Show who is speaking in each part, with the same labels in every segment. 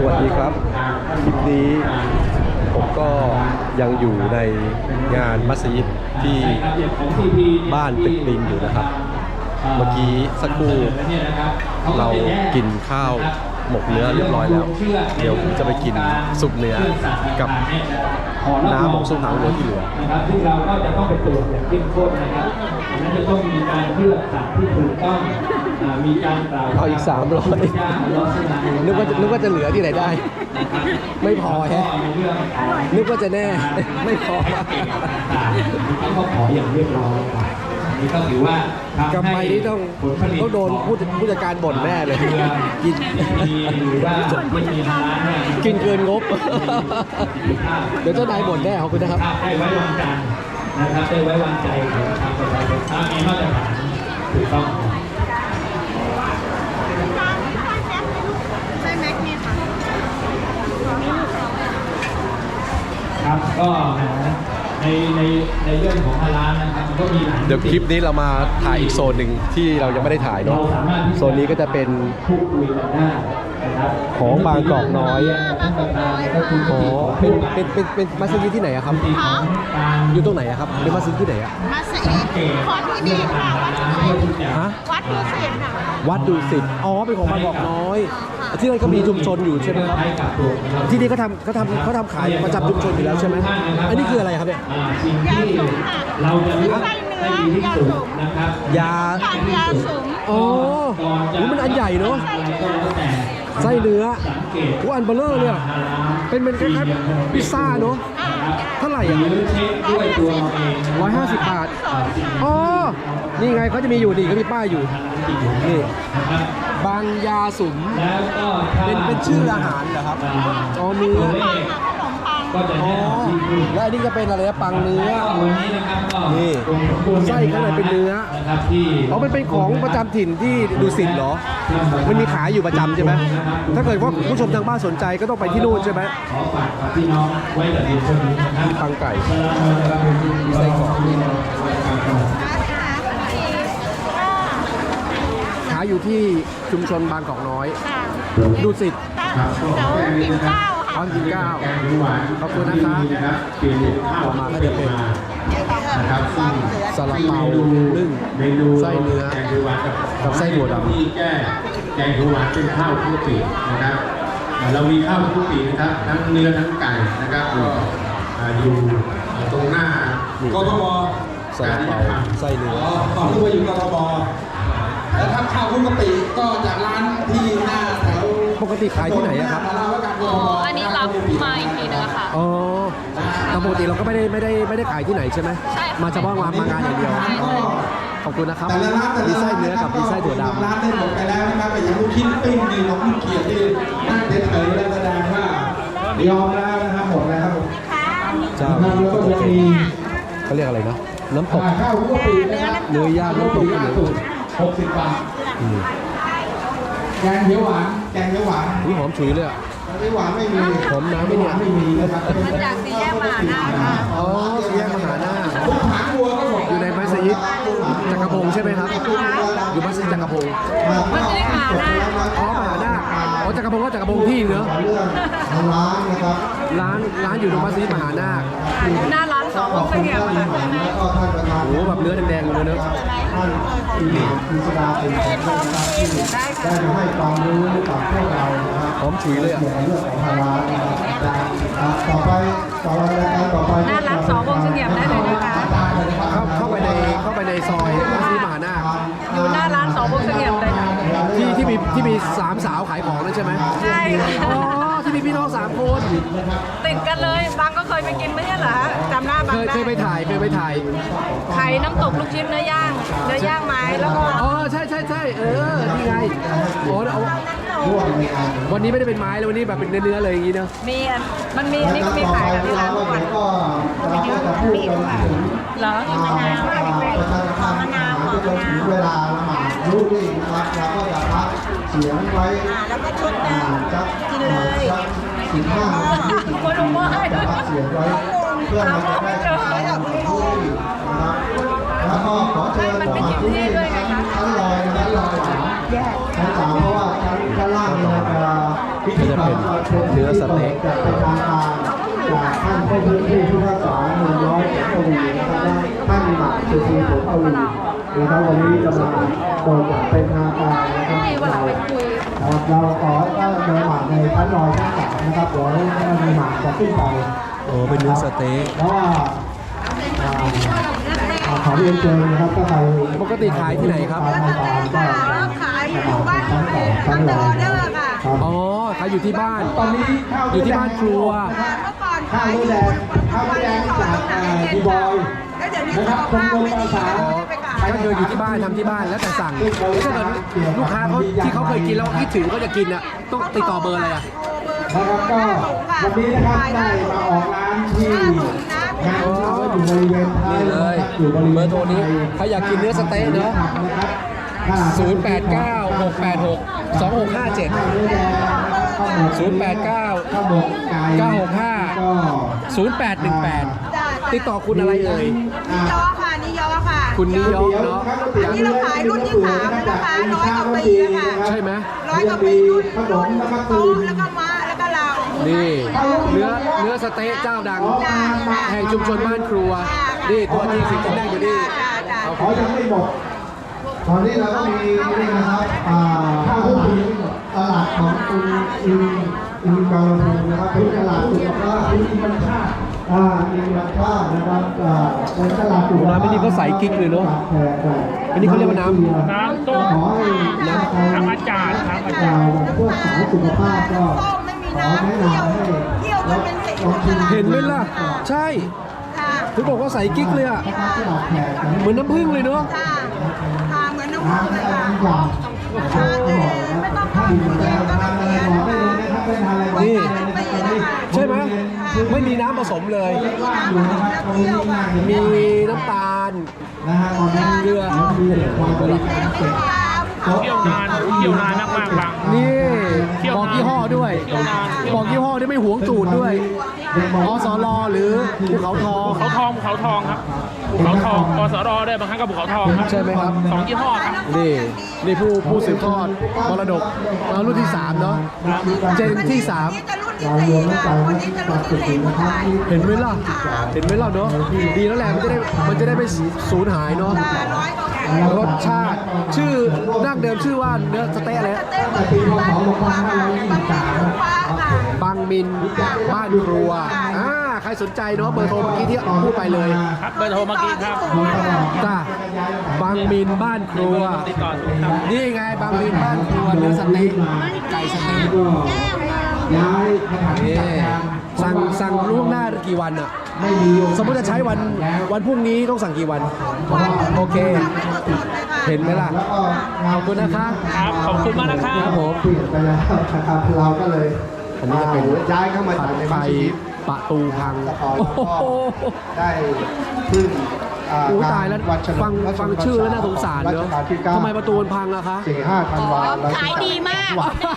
Speaker 1: วัสดีครับคลิปนี้ผมก็ยังอยู่ในงานมัสยิดที่บ้านตึกลิงอยู่นะครับเมื่อกี้สักครู่เรากินข้าวหมกเนื้อเรียบร้อยแล้วเดี๋ยวผมจะไปกินซุปเนื้อกับน้ำของซุปหางวัวที่เหลือ
Speaker 2: นะครับที่เราก็จะต้องไปตรวจอย่างเข้มข้นนะครับนั้นจะต้องมีการเลือกสัตว์ที่ถูกต้องมีการกล่าว
Speaker 1: เอาอีก300นึกว่าจะเหลือที่ไหนได้ไม่พอแฮะนึกว่าจะแน่ไม่พอ
Speaker 2: เขาก็ขออย่างเรียบร้อยนี่ก็ถือว่าก
Speaker 1: ำไรนี่ต้องโดนผู้จัดการบ่นแน่เลยกิน
Speaker 2: หรือว่าไม่มีร้าน
Speaker 1: กินเกินงบเดี๋ยวเจ้านายบ่นแน่ขอบคุณนะครับ
Speaker 2: ได้ไว้วางใจนะครับได้ไว้วางใจของทางประชาชนถ้ามีมาตรฐานถูกต้อง
Speaker 3: ใช่แม็กเนี่ยค่ะ
Speaker 2: ครับก็ในเรื่องของร้านนะครับก็มี
Speaker 1: เดี๋ยวคลิปนี้เรามาถ่ายอีกโซนหนึ่งที่เรายังไม่ได้ถ่ายเนาะโซนนี้ก็จะเป็นของบางกอกน้อยอ๋อเป็นมัสยิดที่ไหนอะครับอยู่ตรงไหนอะครับเป็นมัสยิดที่ไหนอะ
Speaker 3: มัสยิดของที่นี่ค่ะ
Speaker 1: ฮะ
Speaker 3: วัดดุสิตค่ะ
Speaker 1: วัดดุสิตอ๋อเป็นของบางกอกน้อยที่นั่นก็มีชุมชนอยู่ใช่ไหมครับที่นี่เขาทำขายประจำชุมชนอยู่แล้วใช่ไหมอันนี้คืออะไรครับเนี่ย
Speaker 3: ยาสูงค่ะเราจะเลือกไส้เนื้อยาสูง
Speaker 2: นะครับ
Speaker 1: ยา
Speaker 3: สูง
Speaker 1: อ๋อมันอันใหญ่เนาะไส้เนื้ออันเบลเลอร์เนี่ยเป็นคล้ายๆพิซซ่าเนาะเท่าไหร่อ่ะ150 บาทอ๋อนี่ไงเขาจะมีอยู่ดีก็มีป้ายอยู่นี่บางยาสุมเป็นชื่ออาหารเหรอครับอ๋อเนื้ออ๋อและอันนี้จะเป็นอะไรนะปังเนื้อนี่ไส้ข้างในเป็นเนื้ออ๋อมันเป็นของประจำถิ่นที่ดุสิตเหรอมันมีขายอยู่ประจำใช่ไหมถ้าเกิดว่าผู้ชมทางบ้านสนใจก็ต้องไปที่นู่นใช่ไหมมีปังไก่มีไส้กรอกขายอยู่ที่ชุมชนบางกอกน้อยดุสิต
Speaker 3: กินข้าว
Speaker 1: ขอบคุณนะครับต่อมาก็จะเป็นซาลาเปานึ่งไส้เนื้อกับไส้ถั่วดำ
Speaker 4: แกงเขียวหวานเป็นข้าวคลุกปีนะครับเรามีข้าวคลุกปีนะครับทั้งเนื้อทั้งไก่นะครับอยู่ตรงหน้ากทม
Speaker 1: ซาลาเปาไส้เนื้อ
Speaker 4: ตอนที่ว่าอยู่กทมแล้วถ้าข้าวคลุกปีก็จากร้านที่หน้าแถว
Speaker 1: ปกติขายที่ไหนครับ
Speaker 3: อันนี้รับมาอีกทีนึงค่ะ
Speaker 1: อ๋อแต่ปกติเราก็ไม่ได้ขายที่ไหนใช่ไหม
Speaker 3: ใช่
Speaker 1: มาเฉพาะมางานอย่างเดียวขอบคุณนะครับมีไส้เนื้อกับมีไส้ถั่วดำ
Speaker 4: ร้านได้หมดไปแล้วนะครับแต่ยังลูกชิ้นปิ้งนี่ของลูกเขียดที่นั่งเฉยๆแล้วแสดงว่ายอมแล้วนะครับหมดแล้วครับ
Speaker 1: เจ้าก็จะเป็นเขาเรียกอะไรนะน้ำตก
Speaker 4: ข้าวคลุกปีนะครับ
Speaker 1: เนื้อย่างน้ำตก
Speaker 4: 60 บาทแกงเขียวหวาน
Speaker 1: นี่หอมฉุยเลยอ่ะ
Speaker 4: ไม่หวานไม่มี
Speaker 1: หอมน้ำไม่เนี่ย
Speaker 4: ไม่มีนะครับ
Speaker 3: มาจากสี่แยกมหานาค่ะ
Speaker 1: อ๋อสี่แยกมหานา
Speaker 4: หางวัวก็หมด
Speaker 1: อยู่ในมัสยิดจักรพงศ์ใช่ไหมครับอยู่มัสยิดจักรพงศ์
Speaker 3: มัสยิดมหานา
Speaker 1: อ๋อมหานาอ๋อจักรพงศ์ก็จักรพงศ์ที่เนอะ
Speaker 4: ร้านนะครับ
Speaker 1: ร้านอยู่ตรงมัสยิดมหานา
Speaker 3: หน้าร้าน2 องค์เสียบค่ะ
Speaker 1: โอ้แบบเนื้อแดงๆเลยเนอะ
Speaker 4: ท่านพิสดาเป็นแขกได้ให้ความรู้กับพวกเรา
Speaker 1: หอมฉุยเลยอ่ะ
Speaker 4: เรื่องของทางร้านต่อไปรายการต่อไป
Speaker 3: หน้าร้าน2 องค์เสียบได้เลยนะคะ
Speaker 1: เข้าไปในซอยมัสยิดมหานา
Speaker 3: อยู่หน้าร้าน2 องค์เสียบเลยค่ะ
Speaker 1: ที่มี3 สาวขายของนั่นใช่ไหม
Speaker 3: ใช่
Speaker 1: อ๋อที่มีพี่น้อง3 คน
Speaker 3: ติดกันเลยบางก็เคยไปกินไม่ใช่เหรอจำหน้าบางได้
Speaker 1: เคยไปถ่าย
Speaker 3: ขายน้ำตกลูกชิ้นเนื้อย่างไม้แล้วก็
Speaker 1: อ๋อใช่นี่ไงโอ้วันนี้ไม่ได้เป็นไม้แล้ววันนี้แบบเป็นเนื้อเลยอย่างนี้เนาะ
Speaker 3: มันมีนี่ก็มีขายกันที่ร้านทุกวันเหรอมะนาว
Speaker 4: เวลาละหมาดรู้ดีนะครับเราก็จะพักเสียงไว้
Speaker 3: แล้วก็ชุดนึงกินเลย
Speaker 4: 15
Speaker 3: คนรู้ว่า
Speaker 4: เสียงไว้เพื่อเราจะได้รู้ดีนะครับแล้วก็ขอเชิญบอกที่นี่ชั้นลอยชั้นสามเพราะว่าชั้นล่างเนี่ยพิธีกรรมเป็น
Speaker 1: เต็ก
Speaker 5: จะเป็นทางการจากท่านผู้พื้นที่ผู้พิพากษาเมืองร้อยเอ็ดทวีนะครับและท่านหมักสุธีผลทวีนะครับวันนี้จะมาโปรดอย่างเป็นทางการนะครับเราขอให้เดินหมากในชั้นลอยชั้น3นะครับเดี๋ยวท่านหมากจะขึ้นไป
Speaker 1: โอ้เป็นเนื้อสเต๊ก
Speaker 5: เพราะว่าขอเรียนเชิญนะครับก็ไป
Speaker 1: ปกติขายที่ไหนครับ
Speaker 3: ขายอยู่บ้านตัวเองทำแต่ออเดอร์ค่ะ
Speaker 1: อ๋อขายอยู่ที่บ้าน
Speaker 5: ตอนนี้ข้าว
Speaker 1: อยู่ที่บ้านครัว
Speaker 3: เมื่อก่อน
Speaker 5: ข้า
Speaker 3: ขา
Speaker 5: วย
Speaker 3: อยู่
Speaker 5: แดงข้าวแดงจากดีบอย
Speaker 3: แล้วเดี๋ยวนี้
Speaker 5: นะค
Speaker 3: สุ
Speaker 5: รับ
Speaker 3: ขภาพไม่ดี
Speaker 1: อ๋อ
Speaker 3: ไปขาย
Speaker 1: ก็คืออยู่ที่บ้านทำที่บ้านแล้วแต่สั่งถ้าเกิดลูกค้าเขาที่เขาเคยกินแล้วคิดถึงเขาจะกินอ่ะต้องติดต่อเบอร์อะไรอ่ะ
Speaker 5: นะครับก็วันนี้นะครับได้มาออกร้านที่งานเราก็อยู่บริเวณท้าย
Speaker 1: นี่เลย
Speaker 5: อยู่บริเวณ
Speaker 1: เบอร์โทรนี้ใครอยากกินเนื้อสเต๊กเนอะ
Speaker 5: นะครับ
Speaker 1: 089 686 2657
Speaker 5: ข้าวหมกไก่
Speaker 1: 965
Speaker 5: ก็
Speaker 1: 0818 ติดต่อคุณอะไรเอ่ย
Speaker 3: นิยอค่ะนิยอค่ะ
Speaker 1: คุณนิยมเนาะ
Speaker 3: อันนี้เราขายรุ่นที่3แล้วนะคะ100 กว่าปีแล้วค่ะ
Speaker 1: ใช่ไหม
Speaker 3: 100 กว่าปีรุ่น
Speaker 5: ขนมแล้วก็
Speaker 3: โต๊
Speaker 5: ตื่น
Speaker 3: แล้วก็ม้าแล้วก็เรา
Speaker 1: นี่เนื้อสเต๊กเจ้าดัง แห่งชุมชนบ้านครัว นี่ตัวจริงสิงห์แดงอยู่นี่
Speaker 5: เขายังไม่หมดตอนนี้เราก็มีนี่นะครับข้าวผีตลาดของคุณอินบางลำพูนะครับเป็นตลาดสุขภาพอินบัญชาอินบัญชานะครับเป็นตลาดสุขภาพ
Speaker 1: ร้านนี้เขาใส่กิ๊กเลยเนอะอันนี้เขาเรียกว่าน้ำ
Speaker 2: น้ำต้ม
Speaker 5: ขอให้
Speaker 2: น้ำอาจารย์ครับอาจารย์
Speaker 5: พวกสายสุขภาพก็
Speaker 3: ส้มไม่มี
Speaker 5: ขอ
Speaker 3: น้ำ
Speaker 5: แนะ
Speaker 3: เที่ยวน
Speaker 5: ำให้
Speaker 3: เที่ยวจนเป็นสีของตลาด
Speaker 1: เห็นไหมล่ะ ใช่
Speaker 3: ค่ะ
Speaker 1: ถึงบอกว่าใส่กิ๊กเลยอ่ะ
Speaker 5: นะครับตลาดแขก
Speaker 1: เหมือนน้ำผึ้งเลยเนาะ
Speaker 3: ค่ะค่ะเหมือนน้ำผึ้งเลยค่ะ
Speaker 5: น้ำยา
Speaker 3: ทานเลยไม่ต้องเข้าโรงเรียนก็ต้องเรียน
Speaker 5: บอกได้เลยนะครับเป็นอะไร
Speaker 1: นี่
Speaker 3: ปีนะคะ
Speaker 1: ใช่ไหมไม่มีน้ำผสมเลย
Speaker 5: ว่างอยู่นะครับตรงนี้ง่าย
Speaker 1: มีน้ำตาล
Speaker 5: นะฮะตอนนี้เรือมีเด็กความบริการเสร็จ
Speaker 2: เที่ยวนานมากๆบาง
Speaker 1: นี่บอกยี่ห้อด้วย บอกยี่ห้อด้วยไม่หวงสูตรด้วยอสรหรือภูเขาทอง
Speaker 2: ภูเขาทองครับภูเขาทองกสรด้วยบางครั้งก็ภูเขาทองครับ
Speaker 1: ใช่ไหมครับ
Speaker 2: 2 ยี่ห้อครับ
Speaker 1: นี่ผู้สืบทอดมรดกรุ่นที่ 3 เนาะเจนที่ 3
Speaker 3: นี่จะรุ่นที่4ค่ะคนนี้จะรุ่นที่4ค่ะ
Speaker 1: เห็นไหมล่ะเห็นไหมล่ะเนาะดีแล้วแหละมันจะได้ไม่สูญหายเนาะ
Speaker 3: 100 กว่า
Speaker 1: รสชาติชื่อดั้งเดิมชื่อว่าเนื้อสเต๊ะอะไรนะ
Speaker 3: เต้นแบบที่บ้านของฟ้าค่ะค่ะ
Speaker 1: บางมินบ้านครัวใครสนใจเนาะเบอร์โทรเมื่อกี้ที่พูดไปเลย
Speaker 2: ครับเบอร์โทรเมื่อกี้ครับ
Speaker 1: จ้าบางมินบ้านครัว
Speaker 2: ติดต่อครับ
Speaker 1: นี่ไงบางมินบ้านครัวเนื้อสเต๊กไก่สเต๊ก
Speaker 5: ย้ายสถานที่
Speaker 1: นี่
Speaker 5: จัดงาน
Speaker 1: สั่งล่วงหน้ากี่วันอะ
Speaker 5: ไม่มี
Speaker 1: สมมติจะใช้วันพรุ่งนี้ต้องสั่งกี่วัน โอเค เห็นไหมล่ะ
Speaker 5: แล้วก็
Speaker 1: ขอบคุณนะคะ
Speaker 2: ครับขอบคุณมากนะครับ
Speaker 1: ครับผม
Speaker 5: เปลี่ยนไปแล้วนะครับเราก็เลย
Speaker 1: อันนี้จะเป็น
Speaker 5: ย้ายเข้ามา
Speaker 1: ผั
Speaker 5: จาก
Speaker 1: ด
Speaker 5: ใน
Speaker 1: ไฟ
Speaker 5: มัสยิด
Speaker 1: ประตูพัง
Speaker 5: แล้ว
Speaker 1: โอ้โห
Speaker 5: ได้พึ่ง
Speaker 1: โอ้ตายแล้ว
Speaker 5: วันเฉลิม
Speaker 1: ฟังชื่อแล้วน่าสงสาร
Speaker 5: รั
Speaker 1: เน
Speaker 5: ช
Speaker 1: อะ
Speaker 5: กาลที่
Speaker 1: ทำไมประตูมันพังอะคะ
Speaker 5: 4-5 ธันวาคม
Speaker 3: ขายดีมาก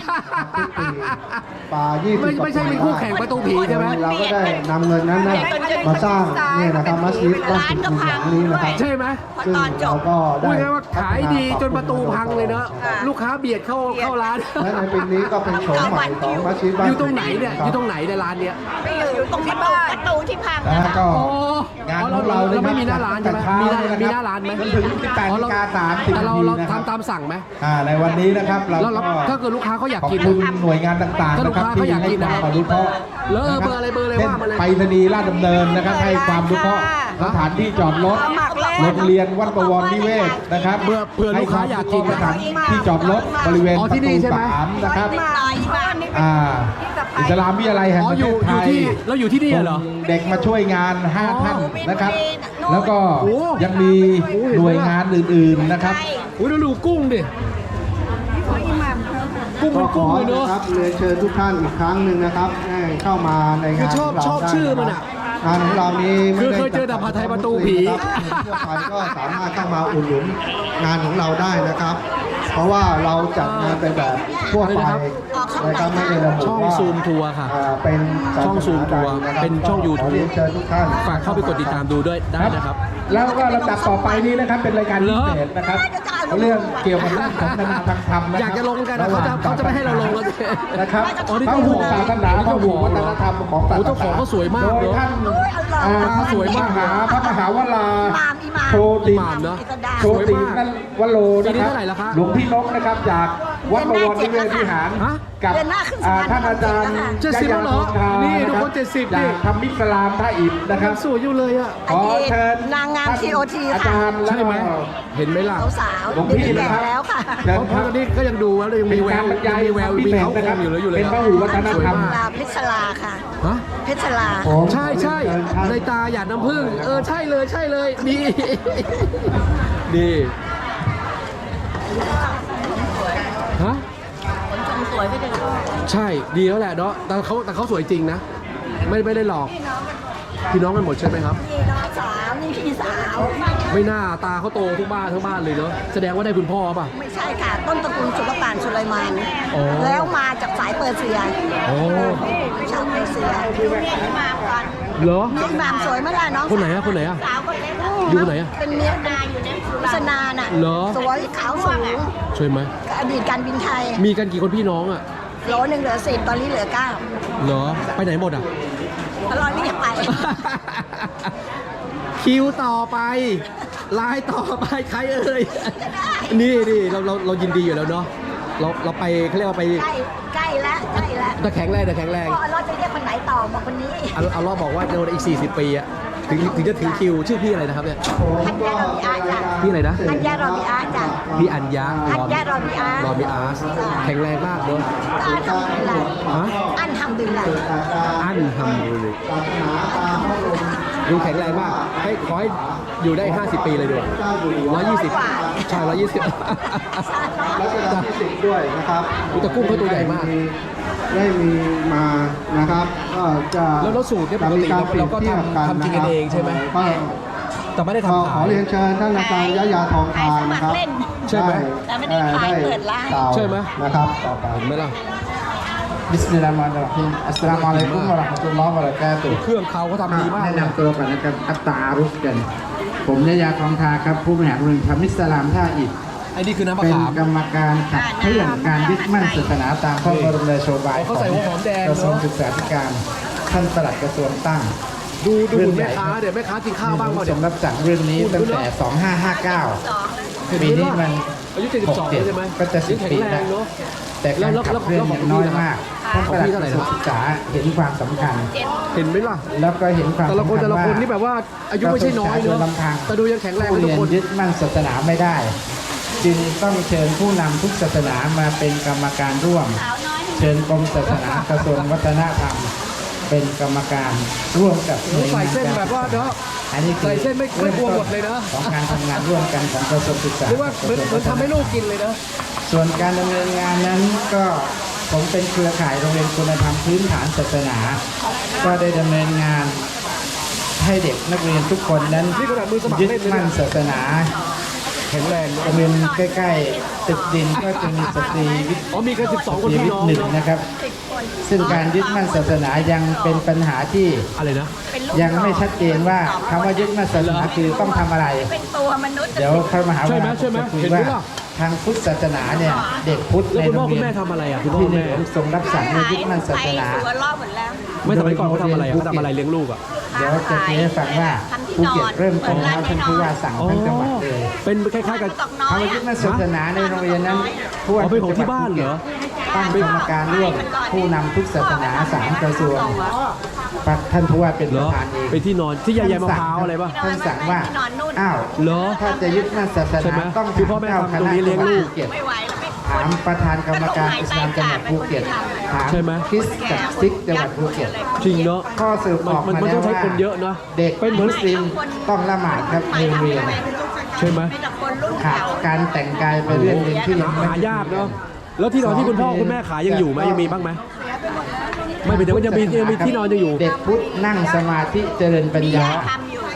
Speaker 5: ปลา20
Speaker 1: ไม่ใช่เป็นคู่แข่งประตูผีใช่ไหม
Speaker 5: เราก็ได้นำเงินนั้นนะมาสร้างเนี่ยนะครับมัสยิดบ้านสุขุมหลังนี้นะครับ
Speaker 1: ใช่ไหม
Speaker 5: ซึ่งเราก็ได้
Speaker 1: พูดง่ายๆว่าขายดีจนประตูพังเลยเนอะลูกค้าเบียดเข้าร้าน
Speaker 5: และในปีนี้ก็เป็นโฉมใหม่ของมัสยิดบ้าน
Speaker 1: อยู่ตรงไหนเนี่ยอยู่ตรงไหนในร้านเนี้ย
Speaker 3: อยู่ตรงประตูที่พัง
Speaker 5: นะฮะก็
Speaker 1: โอ้
Speaker 5: งาน
Speaker 1: เรา
Speaker 5: ของเรา
Speaker 1: เราไม่มีหน้าร้านใช่ไหมมีหน้าร้านไหม
Speaker 5: จนถึง 18:30
Speaker 1: แต่เรา
Speaker 5: นาทีนะครับ
Speaker 1: ทำตามสั่งไหม
Speaker 5: ในวันนี้นะครับเรา
Speaker 1: แล้ว
Speaker 5: ก็
Speaker 1: ถ้าเกิดลูกค้าเขาอยาก
Speaker 5: ขอบ
Speaker 1: กิน
Speaker 5: คุณหน่วยงานต่างๆ
Speaker 1: ถ้าลู
Speaker 5: นะ
Speaker 1: ก
Speaker 5: ครับ
Speaker 1: ค้าเขาอยากกิน
Speaker 5: ให้
Speaker 1: นะ
Speaker 5: ความอนุเคราะห์
Speaker 1: แล้วเบอร์อะไรว่ามาเลย
Speaker 5: ไปรษณีย์ราชดำเนินนะครับให้ความอนุเคราะห์สถานที่จอดรถโรงเรียนวัดประวรนิเวศนะครับ
Speaker 1: เผื่อลูกค้าอยากกิน
Speaker 5: สถานที่จอดรถบริเวณ
Speaker 1: อ๋อ
Speaker 5: ประ
Speaker 1: ที่นี่
Speaker 5: ตู
Speaker 1: ใช่ไหม
Speaker 5: 3นะครับ
Speaker 3: ตายบ้านนี่
Speaker 5: อิสลามวิทยาลัยแห่ง
Speaker 1: อ๋อ
Speaker 5: ประ
Speaker 1: อ
Speaker 5: เท
Speaker 1: ยู่
Speaker 5: ศไทย
Speaker 1: ที่เราอยู่ที่นี่เหรอ
Speaker 5: ส่งเด็กมาช่วยงาน 5 ท่านนะครับ แล้วก็
Speaker 1: โอ้
Speaker 5: ยังมีหน่วยงานอื่นๆนะครับ
Speaker 1: อุ้ยเราดูกุ้งดิกุ้งเป็นกุ้งเลยเนอะ
Speaker 5: ครับเรียนเชิญทุกท่านอีกครั้งหนึ่งนะครับให้เข้ามาในงาน
Speaker 1: คือชอบชื่อมันอะ
Speaker 5: งานของเรานี้ไม่
Speaker 1: คือ
Speaker 5: ได้
Speaker 1: เคยเจอแต่ผัดไทยประตูผี
Speaker 5: ครับทั่วไปก็สามารถเข้ามาอุดหนุนงานของเราได้นะครับ เพราะว่าเราจัดงานเป็นแบบทั่วไปนะครับไม่ได้ระบุ
Speaker 1: ช่อง
Speaker 5: ว่า
Speaker 1: ซูมทัวร์ค่ะ
Speaker 5: เป็น
Speaker 1: ช่องซูมทัวร์
Speaker 5: ศาสนาใดนะครับ
Speaker 1: เป็นช่อง YouTube
Speaker 5: ขเรียนเชิญทุกท่าน
Speaker 1: ฝากเข้าไปกดติดตามดูด้วยได้นะครับ
Speaker 5: แล้วก็ลำดับต่อไปนี้นะครับเป็นรายการพิเศษนะครับเรื่องเกี่ยวกับเรื่องสนทนาทางธรรมนะคบ
Speaker 1: อยากจะลงกันนะเขาจะไม่ให้เราลงแล้ว
Speaker 5: นะครับ
Speaker 1: อ๋อนี่
Speaker 5: พ
Speaker 1: เจ้า
Speaker 5: หุ
Speaker 1: ของ
Speaker 5: ศาสนาพหุวัฒนธรรมของศาส
Speaker 1: โอ้
Speaker 5: นา
Speaker 1: เจ้าของเขาสวยมาก
Speaker 5: โดย
Speaker 1: เนอะ
Speaker 5: ท่าน
Speaker 1: สวยมาก
Speaker 5: พระมหาวรา
Speaker 3: อิหม่าม
Speaker 5: โชติ
Speaker 1: อิหม่ามเนอะ
Speaker 5: โชตินั่นวโร
Speaker 1: ปี
Speaker 5: นะ
Speaker 1: นี้
Speaker 5: ครับ
Speaker 1: เท่าไหร่แล้วคะ
Speaker 5: หลวงพี่นกนะครับจากวัดบวรนิเวศวิหาร
Speaker 1: ฮะ
Speaker 5: กับ
Speaker 3: เดือนหน้าขึ้นสะพาน
Speaker 5: ท่านอาจารย์
Speaker 1: 70แล้วเหรอนี่ทุกคน
Speaker 5: ะรับ
Speaker 1: 70
Speaker 5: จากธรรมิสลามท่าอิฐนะครับ
Speaker 1: สวยอยู่เลยอ่ะ
Speaker 5: ขอเชิญ
Speaker 3: นางงาม TOT
Speaker 5: อา
Speaker 3: ค่ะ
Speaker 5: จารย์แล้ว
Speaker 1: ใช่ไหม
Speaker 5: ก็
Speaker 1: เห็นไหมล่ะ
Speaker 3: สาวๆ
Speaker 5: หลวง
Speaker 3: เดี๋ยว
Speaker 5: พี่
Speaker 3: นี้
Speaker 5: นะ
Speaker 3: แก่
Speaker 5: ครับ
Speaker 3: แล้วค่ะ
Speaker 5: เชิญ
Speaker 1: เพราะ
Speaker 5: ครับ
Speaker 1: ตอนนี้ก็ยังดูแล้วยังมีแวว
Speaker 5: เป็นการบรรยาย
Speaker 1: มีแวว
Speaker 5: ความ
Speaker 1: มี
Speaker 5: พิเศษ
Speaker 1: เขา
Speaker 5: นะครับ
Speaker 1: อยู่เลยอยู่เลย
Speaker 5: เป็นพหุวัฒนธรรม
Speaker 1: สวยมาก
Speaker 3: ลาเพชรลาค่ะ
Speaker 1: ฮะ
Speaker 3: เพชรลา
Speaker 5: ผม
Speaker 1: ใช่ใช่ในตาหยาดน้ำผึ้งใช่เลยใช่เลยนี่นี่ฮะ
Speaker 3: คนชมสวยไม่ได้
Speaker 1: ใช่ดีแล้วแหละเนาะแต่เขาสวยจริงนะไม่ได้หลอกพี่น้องกันหมดใช่ไหมครับ
Speaker 3: นี่น้องสาวนี่พี่สาว
Speaker 1: ไม่น่าตาเขาโตทุกบ้านทั้งบ้านเลยเนาะแสดงว่าได้คุณพ่อป่ะ
Speaker 3: ไม่ใช่ค่ะ ต้นตระกูลสุลต่านสุไลมาน
Speaker 1: อ๋อ
Speaker 3: แล้วมาจากสายเปอร์เซีย
Speaker 1: โอ้
Speaker 3: ชาวเปอร์เซียอิหม่ามก่อน
Speaker 1: เหรอ
Speaker 3: นี่อิหม่ามสวยไหมล่ะน้อง
Speaker 1: คนไหนอะคนไหนอะ
Speaker 3: สาวคนเล็ก
Speaker 1: อยู่ไหนอะ
Speaker 3: เป็นเมียนาอยู่ในพุษนาน่ะ
Speaker 1: เหรอ
Speaker 3: สวยขาวสูง
Speaker 1: ช่วยไหม
Speaker 3: อดีตการบินไทย
Speaker 1: มีกันกี่คนพี่น้องอะ
Speaker 3: โหลหนึ่งเหลือ10ตอนนี้เหลือ9
Speaker 1: เหรอไปไหนหมดอะ
Speaker 3: ตลอดนี่อย่าไป
Speaker 1: คิวต่อไปไลน์ต่อไปใครเอ่ยนี่เรายินดีอยู่แล้วเนาะเราไปเขาเรียกว่าไป
Speaker 3: ใกล้แล้วใกล้แล้ว
Speaker 1: แต่แข็งแรงแต่แข็งแรง
Speaker 3: พ่อเราจะเรียกคนไหนต่อบอกคนนี้
Speaker 1: เอาล้อบอกว่าในอีก40 ปีอะถึงจะถึงคิวชื่อพี่อะไรนะครับเนี่ย
Speaker 3: ฮันยารอบิอาจ้ะ
Speaker 1: พี่อะไรนะ
Speaker 3: ฮันยารอบิอาจ้ะ
Speaker 1: พี่อัญญา
Speaker 3: ฮันยารอบิอา
Speaker 1: รอมีอาร์สแข็งแรงมากเนาะ
Speaker 3: อันทำบิลลา
Speaker 1: ฮะ
Speaker 3: อันทำบิลลา
Speaker 1: อันทำดูเลย
Speaker 5: ศาสนาตามพระบรม
Speaker 1: ดูแข็งแรงมากขอให้อยู่ได้ 50 ปีเลยด้วย120 ใช่ 120
Speaker 5: รัชกาลที่10ด้วยนะครับ
Speaker 1: อุ๊ยแต่กุ้งเขาตัวใหญ่มาก
Speaker 5: ได้มีมานะครับก็จะ
Speaker 1: แล้วสูตรเนี่ยปกติเราก็ทำกินกันเองใช่ไหม
Speaker 5: ก็
Speaker 1: แต่ไม่ได้
Speaker 5: ข
Speaker 1: ทำขา
Speaker 5: อย เรียนเชิญท่านอาจารย์ยะยาทองทานนะครับ
Speaker 1: ใช่ไหม
Speaker 3: แต่ไม่ได้ขายเปิดร้าน
Speaker 5: กล่าว
Speaker 1: ใช่ไหม
Speaker 5: นะครับต่อไป
Speaker 1: เห็นไหมล่ะ
Speaker 5: Bismillahirrahmanirrahim Assalamualaikum warahmatullahi wabarakatuh
Speaker 1: เครื่องเขาทำดีมาก
Speaker 5: แนะนำตัวก่อนนะครับอัตตาอารุสกัน ผมยะยาทองทาครับ ผู้บริหารโรงเรียนธรรมิสลามท่าอิฐ
Speaker 1: ไอ้นี่คือน้ำมะ
Speaker 5: เป็น
Speaker 1: ขาม
Speaker 5: กรรมการขับเคลื่อนการยึดมั่นศาสนาตามพระบรมราโชบาย
Speaker 1: เขาใส่หัวหอมแดง
Speaker 5: กระทรวง
Speaker 1: เนอะ
Speaker 5: ศึกษาธิการท่านปลัดกระทรวงตั้ง
Speaker 1: ดูหุ่นแม่ค้าเดี๋ยวแม่ค้ากินข้าวบ้างเปล่า
Speaker 5: ส
Speaker 1: เดี๋ยว
Speaker 5: มรับสั่งเรื่องนี้ตั้งแต่ 2559 ปีนี้มัน
Speaker 1: อายุ72แล้วใช่ไหม
Speaker 5: ก็จะ
Speaker 1: ยัง
Speaker 5: 10
Speaker 1: แข็ง
Speaker 5: ปี
Speaker 1: แร
Speaker 5: แล้ว
Speaker 1: งเนาะ
Speaker 5: แต่การขับเคลื่อนเนี่ยน้อยมากท่าน
Speaker 1: ข
Speaker 5: ป
Speaker 1: อง
Speaker 5: ลัด
Speaker 1: พี่
Speaker 5: ก
Speaker 1: เท่าไหร่
Speaker 5: ระทรวง
Speaker 1: นะ
Speaker 5: ศึกษาเห็นความสำคัญ
Speaker 1: เห็นไหมล่ะ
Speaker 5: แล้วก็เห็นความ
Speaker 1: แต่ละคน
Speaker 5: สำญ
Speaker 1: แต่ละคน
Speaker 5: ว่า
Speaker 1: นี่แบบว่าอายุไม่ใช่น้อย
Speaker 5: โด
Speaker 1: เนาะ
Speaker 5: ลำพัง
Speaker 1: แต่ดูยังแข็งแรง
Speaker 5: ผู้
Speaker 1: กันทุ
Speaker 5: เรี
Speaker 1: ก
Speaker 5: ยน
Speaker 1: คน
Speaker 5: ยึดมั่นศาสนาไม่ได้ จึงต้องเชิญผู้นำทุกศาสนามาเป็นกรรมการร่วม เชิญกรมศาสนากระทรวงวัฒนธรรม เป็นกรรมการร่วมกับหน่วย
Speaker 1: ใส่
Speaker 5: งาน
Speaker 1: เส้นแบบว่าเนาะ
Speaker 5: อันนี้คือ
Speaker 1: ใส่เส้นไม่กลัวหมดเลยนะ
Speaker 5: ของการทำงานร่วมกันของกระทรวงศึกษา
Speaker 1: หรือว่าเหมือนทำให้ลูกกินเลยนะ
Speaker 5: ส่วนการดำเนินงานนั้นก็ผมเป็นเครือข่ายโรงเรียนคุณธรรมพื้นฐานศาสนา ก็ได้ดำเนินงานให้เด็กนักเรียนทุกคนนั้น
Speaker 1: นี่ขนาดมือสมัคร
Speaker 5: ยึด
Speaker 1: เล่นเลย
Speaker 5: มั่น
Speaker 1: นะ
Speaker 5: ศาสนา
Speaker 1: แข็งแรงเนอะ
Speaker 5: โรงเรียนใกล้ๆตึกดินก็จะมีสตรีวิทย์
Speaker 1: อ๋อมีกัน12 คนพี่น้อง
Speaker 5: หนึ่ง
Speaker 1: เนาะ
Speaker 5: นะครับ ซึ่งการยึดมั่นศาสนายังเป็นปัญหาที่
Speaker 1: อะไรนะ
Speaker 5: ยังไม่ชัดเจนว่าคำว่ายึดมั่นศาสนาคือต้องทำอะไร
Speaker 3: เป็นตัวมนุษย์
Speaker 5: เดี๋ยวพระมหา
Speaker 1: ใช่
Speaker 5: วิ
Speaker 1: ไหม
Speaker 5: ทยา
Speaker 1: ใช่ไหม
Speaker 5: จะคุย
Speaker 1: เห็นไหม
Speaker 5: ว่า
Speaker 1: ล่ะ
Speaker 5: ทางพุทธศาสนาเนี่ยเด็กพุทธ
Speaker 1: แล้ว
Speaker 5: ใน
Speaker 1: คุณ
Speaker 5: โร
Speaker 1: พ่อง คุณ
Speaker 5: เรียน
Speaker 1: แม่ทำอะไรอ่ะคุณพ่อ
Speaker 5: ที่
Speaker 1: คุณ
Speaker 5: ใน
Speaker 1: แม่
Speaker 5: หลวงทรงรับสั่งให้ยึดมั่นศาสนา
Speaker 3: ตัวรอบหมดแล้ว
Speaker 1: ไม่สมัยก่อนเขาทำอะไรอ่ะเขาทำอะไรเลี้ยงลูกอ่ะ
Speaker 5: เดี๋ยวจะคุยให้ฟังว่าภูเก็ตเริ่มต้นแล้วท่านผู้ว่าสั่ง
Speaker 1: อ๋อ
Speaker 5: ทั้งจังหวัดเลย
Speaker 1: เป็นคล้ายๆกับ
Speaker 3: ตกน้อ
Speaker 5: คำ
Speaker 3: ย
Speaker 5: ว่ายึดมั่นศาสนาในโรงเรียนนั้นผู้ว่า
Speaker 1: อ๋อเป็นของที่บ้านเหรอ
Speaker 5: ตั้งกรรมการร่วมผู้นำทุกศาสนา3กระทรวงท่านผู้ว่าเป็น
Speaker 1: เห
Speaker 5: ป
Speaker 1: รอ
Speaker 5: ระธานเอง
Speaker 1: เป็นที่นอนที่ใยมะพร้าวอะไรป่ะ
Speaker 5: ท่านสั่งว่าอ้าว
Speaker 1: เหรอ
Speaker 5: ถ้าจะยึดมั่นศาส
Speaker 1: ใช่ไหม
Speaker 5: นาต้อง
Speaker 1: คือพ่อแม่ทำตรงนี้เลี้ยงลูก
Speaker 5: ภูเก็ต
Speaker 3: ไม่ไหวแล้วไม่
Speaker 5: ถามประธานกรรมการอิสลามจังหวัดภูเก็ตถาม
Speaker 1: ใช่ไหม
Speaker 5: คริสกับซิกจังหวัดภูเก็ต
Speaker 1: จริงเนาะ
Speaker 5: ข้อสรุปออก
Speaker 1: มัน
Speaker 5: มา
Speaker 1: มัน
Speaker 5: แล้
Speaker 1: ต้
Speaker 5: ว
Speaker 1: องใช้
Speaker 5: ว่า
Speaker 1: คนเยอะเนาะ
Speaker 5: เด็กมุสลิมต้องละหมาดครับในโรงเรียน
Speaker 1: ใช่ไหม
Speaker 3: มีแต่คนรุ่น
Speaker 5: ขาด
Speaker 3: เก่า
Speaker 5: การแต่งกายไปเรื่องหนึ่งที่ยังไม่
Speaker 1: หายากเนาะแล้วที่นอนที่คุณพ่อคุณแม่ขายยังอยู่ไหมยังมีบ้างไหมไม่เป็นแต่ว่ายังมีที่นอนยังอยู่
Speaker 5: เด็กพุทธนั่งสมาธิเจริญปัญญา
Speaker 3: ทำอยู่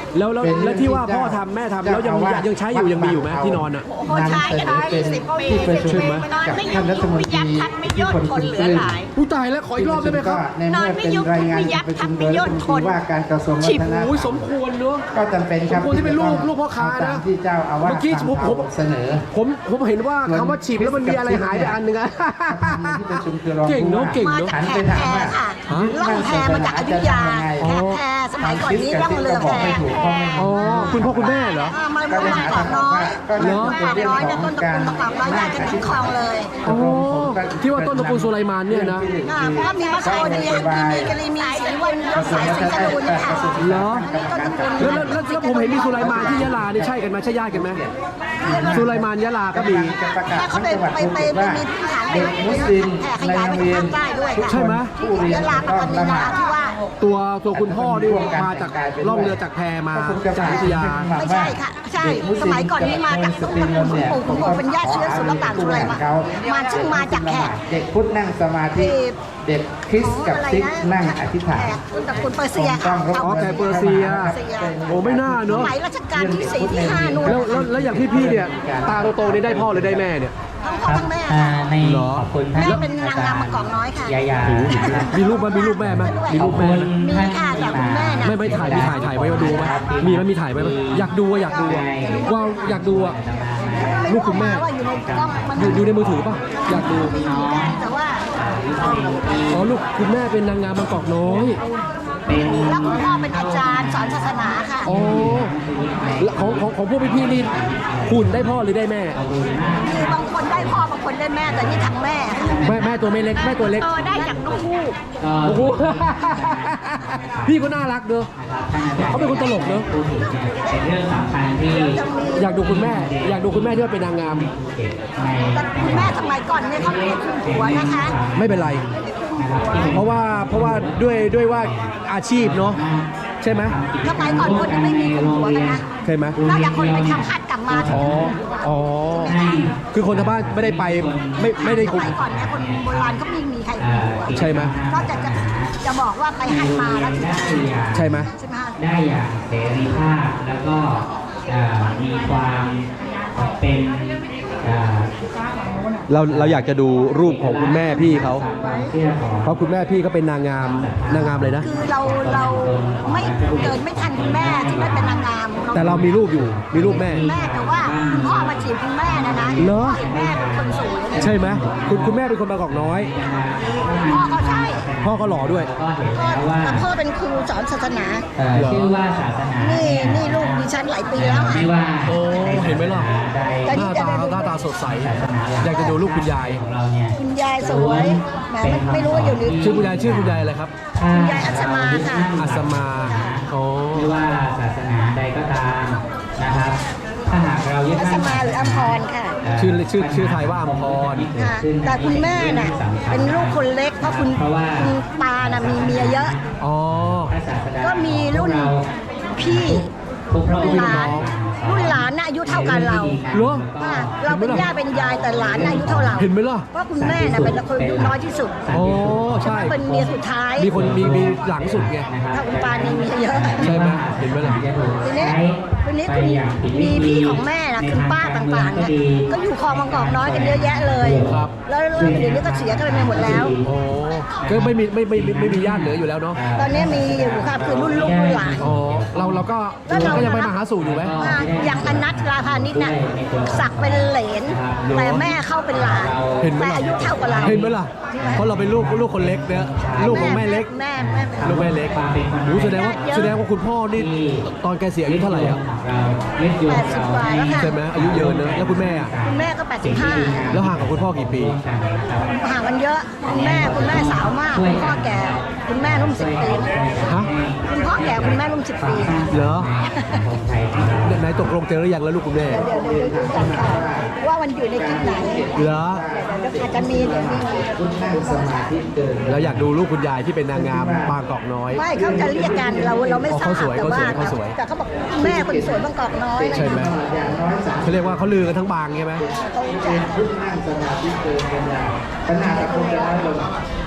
Speaker 1: แล้วที่ว่าพ่อทำแม่ทำแล้วยังใช้อยู่ยังมีอยู่ไหมที่นอนอ่ะ
Speaker 3: โอ้ใช้กันได้10 ปี
Speaker 5: ที่ประชุม
Speaker 3: นอนไม่ยุบไม่ยัดทันไม่ย่นทนเหลือหลาย
Speaker 1: ผู้ตายแล้วขออีกรอบได้ไหมครับ
Speaker 5: ในเมื่อเป็นรายงานการประชุมโดยรัฐมนตรีว่าการกระทรวงวัฒนธรรม
Speaker 1: โอ้ยสมควรเนอะ
Speaker 5: ก็จำเป็นครับ
Speaker 1: สมควรที่เป็นลูกพ่อค้านะ
Speaker 5: ตามที่เจ้าอาวาส
Speaker 1: เมื่อกี้ผม
Speaker 5: เสนอ
Speaker 1: ผมเห็นว่าคำว่าฉีบแล้วมันมีอะไรหายไปอันหนึ่งอะ
Speaker 5: ที่ประชุมคือรอง
Speaker 1: เก่งเนอะเก่ง
Speaker 3: มา
Speaker 1: เนอะ
Speaker 3: จากแขกแพรค่ะล่องแพมาจากอยุธยาแขกแพรสมัยก่อนนี้ล่องเรือแพ
Speaker 1: อ๋อคุณพ่อคุณแม่เหรอ
Speaker 3: มาเมืองเกาะน้อย
Speaker 1: เหรอ
Speaker 3: เกาะน้อยเนี่ยต้นตระกูลเกาะน้อยได้กันทั้งคลองเลย
Speaker 1: อ๋อที่ว่าต้นตระกูลสุไลมานเนี่ยนะ
Speaker 3: เพราะว่ามีมัสโคเดียมีกะลีมีสีวันยศสายสีจรูนเนี่ยค่ะ
Speaker 1: เหรอ
Speaker 3: ต้นตระกูล
Speaker 1: แล้วผมเห็นมีสุไลมานที่ยะลานี่ใช่กันไหมใช่ญาติกันไหมสุไลมานยะลาก็มี
Speaker 5: จะประกาศ
Speaker 3: แล้วเขา
Speaker 5: ทั้ง
Speaker 3: ไป
Speaker 5: จังหวัด
Speaker 3: ไป
Speaker 5: ภู
Speaker 3: ไป
Speaker 5: เก็ตว่า
Speaker 3: มีพื้นฐาน
Speaker 5: เด็กมุสลิม
Speaker 3: แผ่ข
Speaker 5: ใน
Speaker 3: ยาย
Speaker 5: โร
Speaker 3: ไป
Speaker 5: งเรียน
Speaker 3: ทางใต้ด้วยค่ะ
Speaker 1: ใช่ไหม
Speaker 5: ผู้เรียน
Speaker 3: ยะลาปัตตานีนราธิวาส
Speaker 1: ตัวคุณพ่อนี่มาจากล่องเรือจากแพมาจากอยุธยา
Speaker 3: ไม่ใช่ค่ะใช่สมัยก่อนนี่มาจากต้นตระกูลคุณปู่คุณปู่เป็นญาติเชื้อสุลต่านสุไลมานมาซึ่งมาจากแขก
Speaker 5: เด็กพุทธนั่งสมาธิเด็กคริสต์กับซิกนั่งอธิษฐาน
Speaker 3: แขกต้นตระกูลเปอร์เซียค่ะ
Speaker 1: อ๋อแขกเปอร์เซีย โอ้ไม่น่าเนอะ
Speaker 3: สมัยรัชกาลที่4ที่5นู่น
Speaker 1: แล้วอย่างพี่เนี่ยตาโตๆนี่ได้พ่อหรือได้แม่เนี่ย
Speaker 3: ทั้งพ่อทั้งแม่
Speaker 2: ใน
Speaker 1: เหรอ
Speaker 2: ขอบคุณท่าน
Speaker 3: แม่เป็นนางงามมากอกน้อยค่ะ
Speaker 2: ยายา
Speaker 1: มีรูปมั้ยมีรูปแม่ไหมมีรูปแม่ไหม
Speaker 3: มีค่ะแต่คุณแม่น่ะ
Speaker 1: ไม่ถ่ายมีถ่ายไว้มาดูไหมมีไหมมีถ่ายไว้ไหมอยากดูอะอยากดูอะว่าอยากดูอะลูกคุณแม่
Speaker 3: ว่าอยู่ในกล้องมัน
Speaker 1: อยู่ในมือถือป่ะอยากดู
Speaker 3: มีได้แต่ว่า
Speaker 1: อ๋อลูกคุณแม่เป็นนางงามบางกอกน้อย
Speaker 3: แล้วคุณพ่อเป็นอาจารย์สอนศาสนาค่ะ
Speaker 1: อ๋อแล้วของพวกพี่ๆนี่หุ่นได้พ่อหรือได้แม่
Speaker 3: คือบางคนได้พ่อบางคนได้แม่แต่นี่ทั้งแม่ค่ะ
Speaker 1: แม่ตัวไม่เล็กแม่ตัวเล็ก
Speaker 3: ได้จากนกฮูก
Speaker 1: โอ้โห พี่ก็น่ารักเนอะเขาเป็นคนตลกเนอะ
Speaker 2: เป็นเรื่องสำคัญที่
Speaker 1: อยากดูคุณแม่ อยากดูคุณแม่ที่ว่าเป็นนางงาม
Speaker 3: แต่คุณแม่สมัยก่อนเนี่ยเขาไม่ได้คุมหัวนะคะ
Speaker 1: ไม่เป็นไร เพราะว่าด้วยว่าอาชีพเนาะใช่ไหม
Speaker 3: สมัยก่อนคนยังไม่มีคุมหัวกันนะ
Speaker 1: ใช่ไหม
Speaker 3: นอกจากคนไปทำคัดกลับมา
Speaker 1: อ๋ออ๋อคือคนทางบ้านไม่ได้ไปไม่ได้
Speaker 3: ส
Speaker 1: คุม
Speaker 3: มัยก่อนเนี่ยคนโบราณก็ไม่มีใครคุมหัว
Speaker 1: ใช่ไหม
Speaker 3: นอกจากจะบอกว่าไปให้มาแล้วถึงจะ
Speaker 1: ใช่ไหม
Speaker 3: ใช่ไหมคะ
Speaker 2: ได้อย่างเสรีภาพแล้วก็มีความเป็นอ่า
Speaker 1: เราอยากจะดูรูปของคุณแม่พี่เขา
Speaker 2: ความเชื่อของ
Speaker 1: เพราะคุณแม่พี่ก็เป็นนางงามเลยนะ
Speaker 3: คือเราไม่เกิดไม่ทันคุณแม่ที่ไม่เป็นนางงาม
Speaker 1: แต่เรามีรูปอยู่มีรูปแม่
Speaker 3: แม่แต่ว่าคุณพ่อมาจีบคุณแม่นะ
Speaker 1: เหรอ
Speaker 3: พ่อเห็นแม่เป็นคนสวย
Speaker 1: ใช่ไหมคุณแม่เป็นคนบางกอกน้อย
Speaker 3: พ่อเขาใช่
Speaker 1: พ่อก็หล่อด้วย
Speaker 2: ก็เห็นแล้วว่า
Speaker 3: แต่พ่อเป็นครูสอนศาสนา
Speaker 2: ชื่อว่าศาสนา
Speaker 3: นี่ลูกดิฉันหลายปีแล้วอะ
Speaker 2: ไม่ว่า
Speaker 1: โอ้เห็นไหมล่ะ
Speaker 2: ใด
Speaker 1: หน้าตาสดใส อยากจะดูรูปคุณยาย
Speaker 2: ของเราเนี่ย
Speaker 3: คุณยายสวยแหมไม่รู้ว่าอยู่ใน
Speaker 1: ชื่อคุณยายอะไรครับ
Speaker 3: คุณยายอัศมาค่ะ
Speaker 1: อัศมาอ๋อ
Speaker 2: ไม่ว่าศาสนาใดก็ตามนะครับ ถ้าหากเรายึด
Speaker 3: อัศ
Speaker 2: มั่น
Speaker 3: มาหรืออัมพรค่ะ
Speaker 1: ชื่อไทยว่าอัมพร
Speaker 3: ค่ะแต่คุณแม่น่ะเป็นลูกคนเล็กเพราะคุณตาน่ะมีเมียเยอะ
Speaker 1: อ๋อ
Speaker 3: ก็มีรุ่นพี่
Speaker 2: ทุกพระอง
Speaker 3: ห
Speaker 2: ค์
Speaker 3: ลานรุ่นหลานน่ะอายุเท่ากันเรา
Speaker 1: เหรอ
Speaker 3: ค่ะเราเป็นย่าเป็นยายแต่หลานน่ะอายุเท่าเรา
Speaker 1: เห็นไหมล่ะ
Speaker 3: เพราะคุณแม่น่ะเป็นคนอายุน้อยที่สุด
Speaker 1: อ๋อใช่
Speaker 3: เป็นเมียสุดท้าย
Speaker 1: มีคนมีหลังสุดไง
Speaker 3: ถ้าคุณปานี่มีเยอะ
Speaker 1: ใช่ไหมเห็นไหมล่ะ
Speaker 3: ทีนี้คุณมีพี่ของแม่นะคุณป้าต่างๆเนี่ยก็อยู่คลองบางกอกน้อยกันเยอะแยะเลย
Speaker 1: ครับ
Speaker 3: แล้วเดี๋ยวนี้ก็เสียกันไปหมดแล้ว
Speaker 1: โอ้ก็ไม่มีญาติเหลืออยู่แล้วเนาะ
Speaker 3: ตอนนี้มีอยู่ค่ะคือรุ่นลูกรุ่นหลาน
Speaker 1: อ๋อเราก็ยังไปมาหาสู่อยู่ไหม
Speaker 3: อย่างอนัทราพานิชน่ะสักเป็นเหลนแต่แม่เข้าเป็นหลาน
Speaker 1: เห็นไหม
Speaker 3: แต่
Speaker 1: ล่ะ
Speaker 3: อายุเท่ากับเรา
Speaker 1: เห็นไหมล่ะเพราะเราเป็นลูกคนเล็กเนี่ยลูกของแม่เล็ก
Speaker 3: แม่
Speaker 1: ลูกแม่เล็กโอ้แสดงว่าคุณพ่อนี่ตอนแกเสียอายุเท่าไหร่อ่ะ
Speaker 2: เรายึดโยง
Speaker 3: 80 กว่าแล้วค่ะ
Speaker 1: ใช่ไหมอายุเยอะเนอะแล้วคุณแม่อ่ะ
Speaker 3: คุณแม่ก็ 85
Speaker 1: แล้วห่างกับคุณพ่อกี่ปี
Speaker 3: ห่างกันเยอะคุณแม่สาวมากคุณพ่อแก่คุณแม่รุ่ม10 ปี
Speaker 1: ฮะ
Speaker 3: คุณพ่อแก่คุณแม่รุ่ม10 ปี
Speaker 1: เหรอไหนตกลงเจอหรือยังแล้วลูกคุณแม่
Speaker 3: เดี๋ยวดูกันค่ะว่ามันอยู่ในคลิปไหน
Speaker 1: เหรอ
Speaker 3: เดี๋ยวอาจจะมีเดี๋ยวมี
Speaker 5: คุณนั่งสมาธิเกิน
Speaker 1: แล้วอยากดูลูกคุณยายที่เป็นนางงามบางกอกน้อย
Speaker 3: ไม่เขาจะเรียกกันเราไม่ทราบ
Speaker 1: เขาสวย
Speaker 3: แต่ว่า
Speaker 1: เขาสวย
Speaker 3: แต่เขาบอกแม่คนสวยบางกอกน้อย
Speaker 1: ใช่ไหม
Speaker 5: อย่างน้อยสาม
Speaker 1: เขาเรียกว่าเขาลือกันทั้งบางใช่ไหม
Speaker 3: เขาจะ
Speaker 5: เป็นคุณนั่งสมาธิเกินกันยาปัญหากับคนจะน้อยลง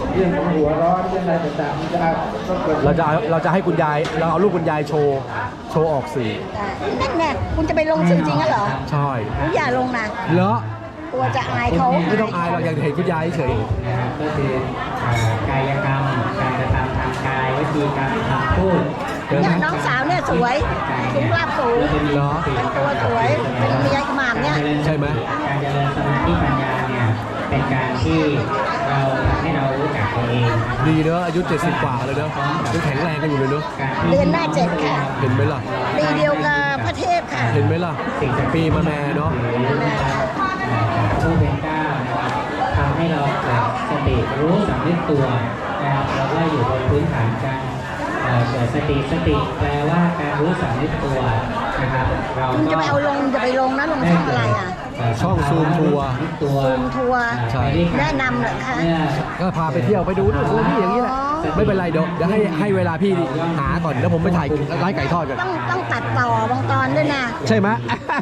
Speaker 5: เรื่องของหัวร้อนเรื่องอะไรต่างๆมันจะต้องเกิด
Speaker 1: เราจะให้คุณยายเราเอารูปคุณยายโชว์ออกสื่อ
Speaker 3: นั่นแน่คุณจะไปลงสื่อจริงเหรอ
Speaker 1: ใช่
Speaker 3: คุณอย่าลงนะ
Speaker 1: เหรอ
Speaker 3: ตัวจะอายเขา
Speaker 1: ไม่ต้องอายเราอยากเห็นคุณยายเฉย
Speaker 2: นะครับก็คือกายกรรมการกระทำทางกายวิธีการคำพูด
Speaker 3: เนี่ยน้องสาวเนี่ยสวยสูงราบสูง
Speaker 1: เหรอ
Speaker 3: เป็นตัวสวยเป็นเมียอิหม่ามเนี่ย
Speaker 1: ใช่ไหม
Speaker 2: การเจริญสมาธิปัญญาเนี่ยเป็นการที่เราทำให้เรารู้จักตัวเองนะครับ
Speaker 1: ดีเนอะอายุ70 กว่าเลยเนอะยังแข็งแรงกันอยู่เลยเนอะ
Speaker 3: เดือนหน้า7ค่ะ
Speaker 1: เห็นไหมล่ะ
Speaker 3: ปีเดียวกับพระเทพค่ะ
Speaker 1: เห็นไหมล่ะปีมาแม่เนาะ
Speaker 2: ผู้เป็นเจ้านะครับทำให้เราเกิดสติรู้สำนึกตัวนะครับเราก็อยู่บนพื้นฐานการเกิดสติแปลว่าการรู้สำนึกตัวนะครับเรา
Speaker 3: คุณ
Speaker 2: ก็
Speaker 3: จะไปเอาลงจะไปลงนะลงช่องอะไรอ่ะ
Speaker 1: ช่องซูมทัวร์
Speaker 2: ตัว
Speaker 3: ซูมทัวร์
Speaker 1: ใช่
Speaker 3: แนะนำเหรอคะ
Speaker 1: ก็พาไปเที่ยวไปดูนู่นดูนี่อย่างนี้แหละไม่เป็นไรเดี๋ยวให้เวลาพี่หาก่อนแล้วผมไปถ่ายร้านไก่ทอดกัน
Speaker 3: ต้องตัดต่อบางตอนด้วยนะ
Speaker 1: ใช่ไหม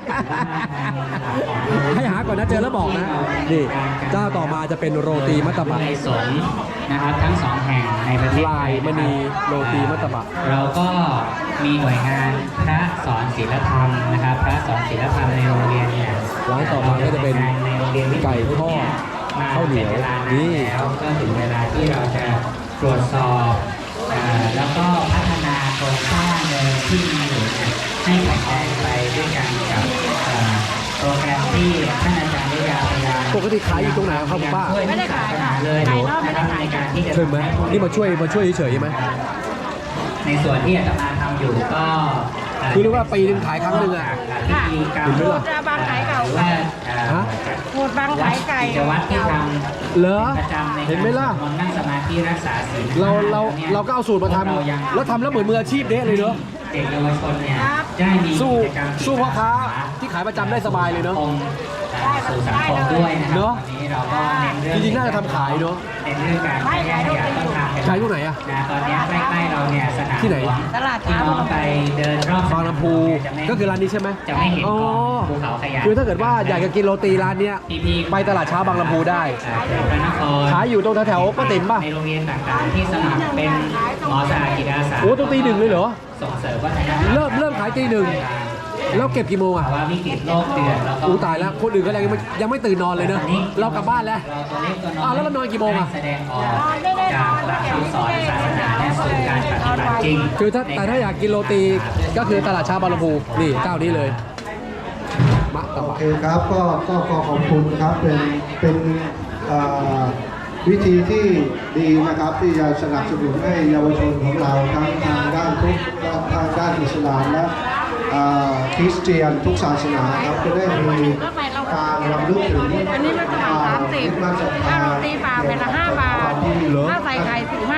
Speaker 1: ให้หาก่อนนะเจอแล้วบอกนะนี่เจ้าต่อมาจะเป็นโรตีมัตตบะ
Speaker 2: ในสงฆ์นะครับทั้งสองแห่งในประเทศ
Speaker 1: ลายมณีโรตีมัตตบะ
Speaker 2: เราก็มีหน่วยงานพระสอนศีลธรรมนะครับพระสอนศีลธรรมในโรงเรียนเนี่ย
Speaker 1: ร้านต่อมาก็จะเป็นไก่ทอดข้าวเหนียวนี่
Speaker 2: แล้วก็ถึงเวลาที่เราจะตรวจสอบแล้วก็พัฒนาโครงสร้างเดิมที่มีอยู่เนี่ยให้แข็งแรงไปด้วยกันกับโปรแกรมที่ท่านอาจารย์ได้ยาวพยายาม
Speaker 1: ปกติขายอยู่ตรงไหนครับคุณป้า
Speaker 2: ไม่ได้ขายค่ะเลยนะครับในการที่จะ
Speaker 1: ใช่ไหมนี่มาช่วยเฉยๆใช่ไหม
Speaker 2: ในส่วนที่อาตมาทำอยู่ก็
Speaker 1: คือเรียกว่าปีหนึงขายครั้งหนึ่งอะ
Speaker 2: พิธีกรรม
Speaker 1: เห็นไหมล่ะ
Speaker 6: จะบางขายเก่า
Speaker 2: หรือว่า
Speaker 1: ฮะ
Speaker 6: โหดบางขายไก่
Speaker 2: กิจวัตรที่ทำ
Speaker 1: เหรอ
Speaker 2: ประจำใน
Speaker 1: เห็นไหมล่ะ
Speaker 2: การนั่งสมาธิรักษาศีล
Speaker 1: เราก็เอาสูตรมาทำแล้วทำแล้วเหมือนมืออาชีพเด้เลยเนอะ
Speaker 2: เด็กเยาวชนเนี่ยจะได้มี
Speaker 1: สู้
Speaker 2: กิจกรรม
Speaker 1: พ่อค้าที่ขายประจำได้สบายเลยเนอะ
Speaker 2: องค์สู่สังคมด้วยนะครั
Speaker 1: เนอะ
Speaker 2: วันนี้เราก็เน้นเรื่อง
Speaker 1: จริงๆน่าจะทำขายเนอะ
Speaker 2: เน้นเรื่องการไม่แยกขยะต้องทำกัน
Speaker 1: ขายที่ไหนอะ
Speaker 2: นะตอนนี้ใกล้ๆเราเนี่ยสนาม
Speaker 1: ที่ไหน
Speaker 2: ลวง
Speaker 6: ตลาด
Speaker 2: ที่
Speaker 6: เช้า
Speaker 2: น้องไปเดินรอบบ
Speaker 1: างลำพู
Speaker 2: จะไม่
Speaker 1: ก็คือร้านนี้ใช่ไหม
Speaker 2: จะไม่เห็น
Speaker 1: อ๋อก
Speaker 2: องภูเขาขยะ
Speaker 1: คือถ้าเกิดว่าอยากจะกินโรตีร้านเนี้ย
Speaker 2: พี่ๆ
Speaker 1: ไปตลาดเช้าบางลำพูได้
Speaker 2: เขตพระนคร
Speaker 1: ขายอยู่ตรงแถวๆป้าติ๋มป่ะ
Speaker 2: ในโรงเรียนต่างๆที่สมัครเป็นหมอสาจิตอาสา
Speaker 1: โอ้ตรงตีหนึ่งเลยเหรอ
Speaker 2: ส่งเสริมวัฒนธรรม
Speaker 1: เริ่มขายตีหนึ่งแล้วเก็บกี่โมงอะ
Speaker 2: ภาวะวิกฤตโลกเดือดแล้วก็
Speaker 1: อู้ตายแล้วคนอื่นก็ยังไม่ตื่นนอนเลยเนอะเรากลับบ้านแล้ว
Speaker 2: เราตัวเล็กตัวน้อย
Speaker 1: อ้าวแล้วเรานอนกี่โมงอะ
Speaker 2: แสดงออกจากหลักคำสอนศาสนาและสู่การปฏิบัติจริง
Speaker 1: คือแต่ถ้าอยากกินโรตีก็คือตลาดเช้าบางลำพูนี่เจ้านี้เลยมะตะ
Speaker 5: โอ
Speaker 1: วะ
Speaker 5: เคครับก็ขอบคุณครับเป็นเอ่อวิธีที่ดีนะครับที่จะสนับสนุนให้เยาวชนของเราทั้งทางด้านพุทธทางด้านอิสลามและคริสเตียนทุกศาสนาครับจะได้มีการรำลึกถึง
Speaker 6: อันนี้มันจะบาท30ถ้าโรตีเปล่าเป็นละ5 บาท ถ้าใส่ไข่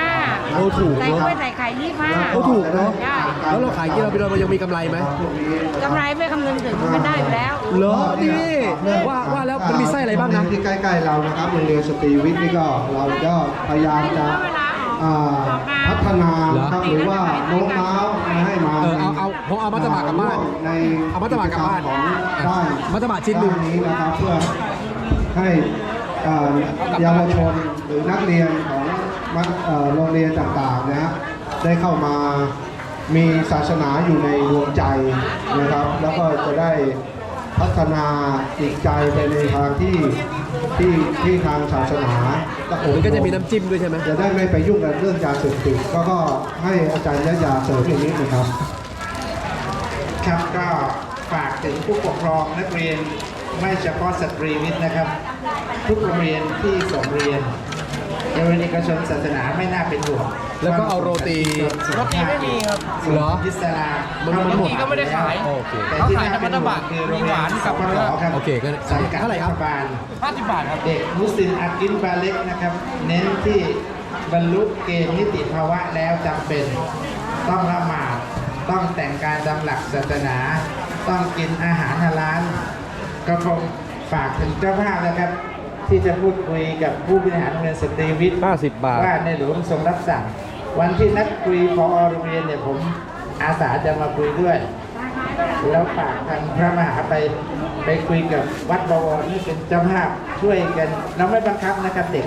Speaker 6: 15
Speaker 1: โอ้ถูก
Speaker 6: ใส่
Speaker 1: เนาะ
Speaker 6: กล้วยใส่ไข่25
Speaker 1: โอ้ถูกเนาะ
Speaker 6: ได้
Speaker 1: แล้วเราขายกินเราไปเรายังมีกำไรไหม
Speaker 6: กำไรไม่คำนึงถึงมันได้อยู่แล้ว
Speaker 1: เหรอนี่ว่าแล้วมันมีไส้อะไรบ้างนะ
Speaker 5: ที่ใกล้ๆเรานะครับโรงเรียนสตรีวิทย์นี่ก็เราก็พยายามจะพัฒนานะครับหรือว่าโน้มน้าวให้มา
Speaker 1: เอาผมเอามัตตบะกลับบ้าน
Speaker 5: ใน
Speaker 1: เอามัตตบะกลับบ้าน
Speaker 5: ของด้าน
Speaker 1: มัตตบะชิ้นหนึ่ง
Speaker 5: ด้านี้นะครับเพื่อให้เยาวชนหรือนักเรียนของโรงเรียนต่างๆนะฮะได้เข้ามามีศาสนาอยู่ในดวงใจนะครับ แล้วก็จะได้พัฒนาจิตใจไปในทางที่ทางศาสนา
Speaker 1: มันก็จะมีน้ำจิ้มด้วยใช่ไหม
Speaker 5: จะได้ไม่ไปยุ่งกับเรื่องยาเสพติดก็ให้อาจารย์ยาเสริมอย่างนี้นะครับ
Speaker 7: ครับก็ฝากถึงผู้ปกครองนักเรียนไม่เฉพาะสตรีวิทย์นะครับ ทุกโรงเรียนที่ส่งเรียนโรงเรียนเอกชนศาสนาไม่น่าเป็นห่วง
Speaker 1: แล้วก็เอาโรตี
Speaker 7: โรตีไม่มีครับ
Speaker 1: เหรอ
Speaker 7: อิสลาม
Speaker 1: มันหมด
Speaker 7: ก็ไม่ได้ขาย
Speaker 1: โอเค
Speaker 7: แต่ที่น่าเป็นห่วงคือโรงเรียนสัมปทานครับ
Speaker 1: โอเคก็
Speaker 7: สังกัด
Speaker 1: เท่าไหร่ครับ
Speaker 7: ฐบาลเด็กมุสลิมอากินบาเล็กนะครับ เน้นที่บรรลุเกณฑ์นิติภาวะแล้วจำเป็นต้องละหมาดต้องแต่งกายตามหลักศาสนา ต้องกินอาหารฮาลาลก็คงฝากถึงเจ้าภาพนะครับ ที่จะพูดคุยกับผู้บริหารโรงเรียนสตรีวิทย์
Speaker 1: 50 บาท
Speaker 7: ว่าในหลวงทรงรับสั่ง วันที่นัดคุยพอโรงเรียนเนี่ยผมอาสาจะมาคุยด้วย แล้วฝากทางพระมหาไปคุยกับวัดบวรนี่เป็นเจ้าภาพช่วยกัน เราไม่บังคับนะครับเด็ก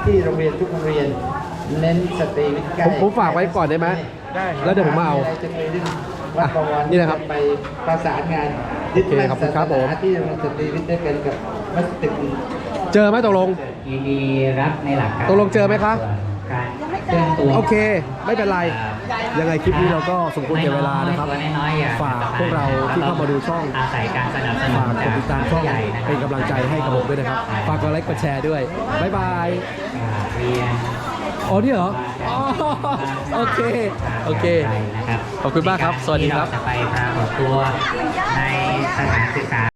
Speaker 7: ที่โรงเรียนทุกโรงเรียนเน้นสตรีวิทย์ใกล้
Speaker 1: ผมฝากไว้ก่อนได้ไหม
Speaker 7: ได้
Speaker 1: แล้วเดี๋ยวผมมาเอา
Speaker 7: ะไรจะไปดึงวัดประวัน
Speaker 1: นี่นะครับ
Speaker 7: ไปประสานงาน
Speaker 1: โอเคขอบคุณครับผม
Speaker 7: ที่โรงเรียนสตรีวิทย์ด้วยกันกับวัดตึก
Speaker 1: เจอไหมตกลง
Speaker 2: ยินดีรับในหลักการ
Speaker 1: ตกลงเจอไหมคะ
Speaker 2: การเคลื่อนตัว
Speaker 1: โอเค ไม่เป็นไร ยังไงคลิปนี้เราก็สมควรแก่เวลานะครับ
Speaker 2: ตัวน้อยๆอย่
Speaker 1: ฝากพวกเราที่เข้ามาดูช่อง
Speaker 2: อาศัยการสนับสนุน
Speaker 1: ฝากกดติดตามช่อง
Speaker 2: ใหญ่นะครับ
Speaker 1: เป็นกำลังใจให้กับผมด้วยนะครับ ฝากกดไลค์กดแชร์ด้วย บ๊ายบาย
Speaker 2: เรียน
Speaker 1: อ๋อนี่เหรออ๋อโอเค โอเค
Speaker 2: นะครับ
Speaker 1: ขอบคุณมากครับสวัสดีครับ
Speaker 2: ที่เาจะไปปรากฏตัวในสถานศึกษา